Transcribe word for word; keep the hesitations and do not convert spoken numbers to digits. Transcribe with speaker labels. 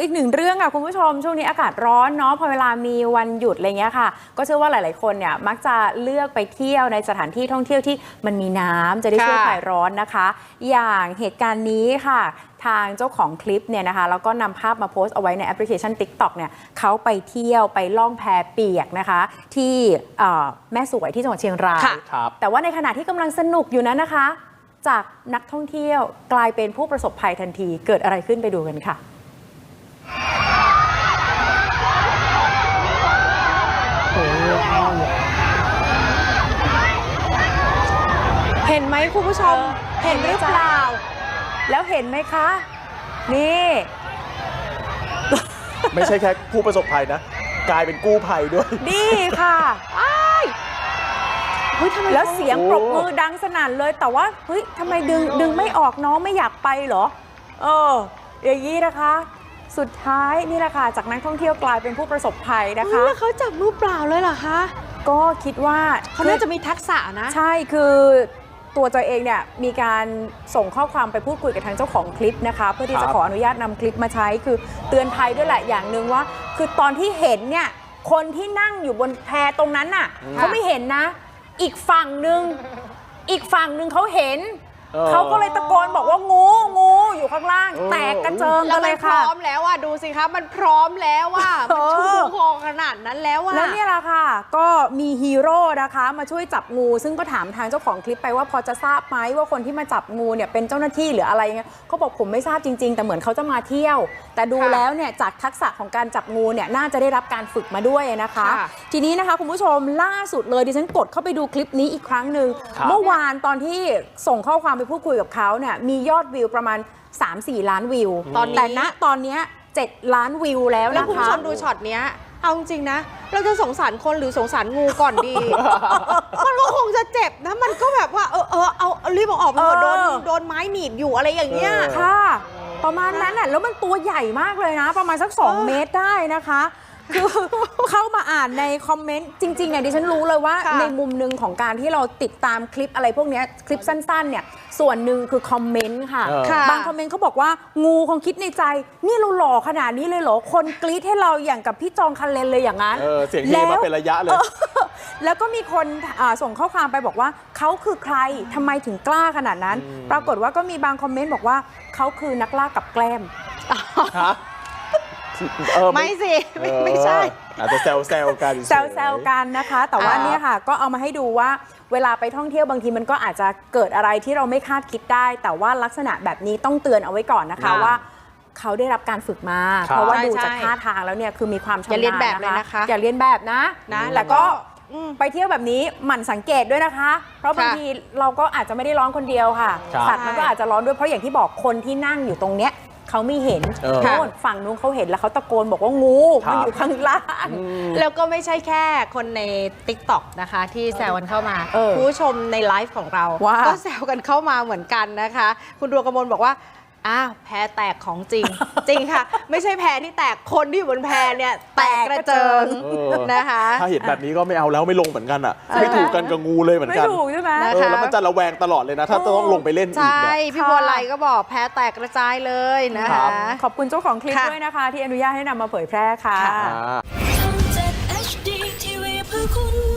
Speaker 1: อีกหนึ่งเรื่องค่ะคุณผู้ชมช่วงนี้อากาศร้อนเนาะพอเวลามีวันหยุดอะไรเงี้ยค่ะก็เชื่อว่าหลายๆคนเนี่ยมักจะเลือกไปเที่ยวในสถานที่ท่องเที่ยวที่มันมีน้ำจะได้ช่วยคลายร้อนนะคะอย่างเหตุการณ์นี้ค่ะทางเจ้าของคลิปเนี่ยนะคะแล้วก็นำภาพมาโพสต์เอาไว้ในแอปพลิเคชัน ติ๊กต็อก เนี่ยเขาไปเที่ยวไปล่องแพเปียกนะคะที่แม่สวยที่จังหวัดเชียงรายแต่ว่าในขณะที่กำลังสนุกอยู่นั้นนะคะจากนักท่องเที่ยวกลายเป็นผู้ประสบภัยทันทีเกิดอะไรขึ้นไปดูกันค่ะ
Speaker 2: เห็นไหมคุณผู้ชมเห็นหรือเปล่า
Speaker 1: แล้วเห็นไหมคะนี่
Speaker 3: ไม่ใช่แค่ผู้ประสบภัยนะกลายเป็นกู้ภัยด้วย
Speaker 1: นี่ค่ะเฮ้ยทำไมแล้วเสียงปรบมือดังสนั่นเลยแต่ว่าเฮ้ยทำไมดึงดึงไม่ออกน้องไม่อยากไปเหรอเอออย่างนี้นะคะสุดท้ายนี่แหละค่ะจากนักท่องเที่ยวกลายเป็นผู้ประสบภัยนะคะ
Speaker 2: แล้วเขาจับมือเปล่าเลยเหรอคะ
Speaker 1: ก็คิดว่า
Speaker 2: เขาน่าจะมีทักษะนะ
Speaker 1: ใช่คือตัวตัวเองเนี่ยมีการส่งข้อความไปพูดคุยกับทางเจ้าของคลิปนะคะเพื่อที่จะขออนุญาตนำคลิปมาใช้คือเตือนภัยด้วยแหละอย่างหนึ่งว่าคือตอนที่เห็นเนี่ยคนที่นั่งอยู่บนแพตรงนั้นน่ะเขาไม่เห็นนะอีกฝั่งหนึ่งอีกฝั่งหนึ่งเขาเห็นเขาก็เลยตะโกนบอกว่างูงูอยู่ข้างล่างแตกกระเจิงกันเลยค่ะ
Speaker 2: พร้อมแล้วอ่ะดูสิคะมันพร้อมแล้วว่ามันชูคอขนาดนั้นแล้วอ่ะ
Speaker 1: แล้วเนี่ยแหละค่ะก็มีฮีโร่นะคะมาช่วยจับงูซึ่งก็ถามทางเจ้าของคลิปไปว่าพอจะทราบไหมว่าคนที่มาจับงูเนี่ยเป็นเจ้าหน้าที่หรืออะไรเงี้ยเขาบอกผมไม่ทราบจริงๆแต่เหมือนเขาจะมาเที่ยวแต่ดูแล้วเนี่ยจากทักษะของการจับงูเนี่ยน่าจะได้รับการฝึกมาด้วยนะคะทีนี้นะคะคุณผู้ชมล่าสุดเลยดิฉันกดเข้าไปดูคลิปนี้อีกครั้งหนึ่งเมื่อวานตอนที่ส่งข้อความไปพูดคุยกับเขาเนี่ยมียอดวิวประมาณ สามสี่ ล้านวิวตอนแต่ณตอนนี้เจ็ดล้านวิวแล้วนะคะ
Speaker 2: แล้วคุณผู้ชมดูช็อตเนี้ยเอาจริงนะเราจะสงสารคนหรือสงสารงูก่อนดี มันก็คงจะเจ็บนะมันก็แบบว่าเออเออเอารีบออกไปโดนโดนไม้หนีบอยู่อะไรอย่างเงี้ย
Speaker 1: ค่ะประมาณนั้นแหละแล้วมันตัวใหญ่มากเลยนะประมาณสักสองเมตรได้นะคะคือเข้ามาอ่านในคอมเมนต์จริงๆเนี่ยดิฉันรู้เลยว่าในมุมหนึ่งของการที่เราติดตามคลิปอะไรพวกนี้คลิปสั้นๆเนี่ยส่วนหนึ่งคือคอมเมนต์ค่ะบางคอมเมนต์เขาบอกว่างูคงคิดในใจนี่เราหล่อขนาดนี้เลยเหรอคนกรี๊ดให้เราอย่างกับพี่จองคันเลนเลยอย่างนั้น
Speaker 3: เสียงเฮมาเป็นระยะเลย
Speaker 1: แล้วก็มีคนส่งข้อความไปบอกว่าเขาคือใครทำไมถึงกล้าขนาดนั้นปรากฏว่าก็มีบางคอมเมนต์บอกว่าเขาคือนักล่ากับแกล้ม
Speaker 2: ไม่สิไม่ไม่ใช่
Speaker 3: อาจจะแซวแซวกัน
Speaker 1: แซวแซวกันนะคะแต่ว่าเนี่ยค่ะก็เอามาให้ดูว่าเวลาไปท่องเที่ยวบางทีมันก็อาจจะเกิดอะไรที่เราไม่คาดคิดได้แต่ว่าลักษณะแบบนี้ต้องเตือนเอาไว้ก่อนนะคะว่าเขาได้รับการฝึกมาเพราะว่าดูจากท่าทางแล้วเนี่ยคือมีความชำนาญ
Speaker 2: อย่าเรียนแบบเลยนะคะ
Speaker 1: อย่าเรียนแบบนะนะแล้วก็ไปเที่ยวแบบนี้หมั่นสังเกตด้วยนะคะเพราะบางทีเราก็อาจจะไม่ได้ร้อนคนเดียวค่ะสัตว์มันก็อาจจะร้อนด้วยเพราะอย่างที่บอกคนที่นั่งอยู่ตรงเนี้ยเขาไม่เห็นโน่นฝั่งนู้นเขาเห็นแล้วเขาตะโกนบอกว่างูมันอยู่ข้างล่าง
Speaker 2: แล้วก็ไม่ใช่แค่คนใน ติ๊กต็อก นะคะที่แซวกันเข้ามาผู้ชมในไลฟ์ของเราก็แซวกันเข้ามาเหมือนกันนะคะคุณดวงกมลบอกว่าอ้าวแพแตกของจริงจริงค่ะไม่ใช่แพที่แตกคนที่อยู่บนแพเนี่ยแตกกระเจิงนะคะ
Speaker 3: ถ้าเห็นแบบนี้ก็ไม่เอาแล้วไม่ลงเหมือนกันอ่ะไม่ถูกกันกับงูเลยเหมือนกัน
Speaker 1: ไม่ถูกใช่ไหม
Speaker 3: แล้วมันจะระแวงตลอดเลยนะถ้าต้องลงไปเล่นอีกเนี่ย
Speaker 2: ใช่พี่บัวไลก็บอกแพแตกกระจายเลยนะคะ
Speaker 1: ขอบคุณเจ้าของคลิปด้วยนะคะที่อนุญาตให้นำมาเผยแพร่ค่ะ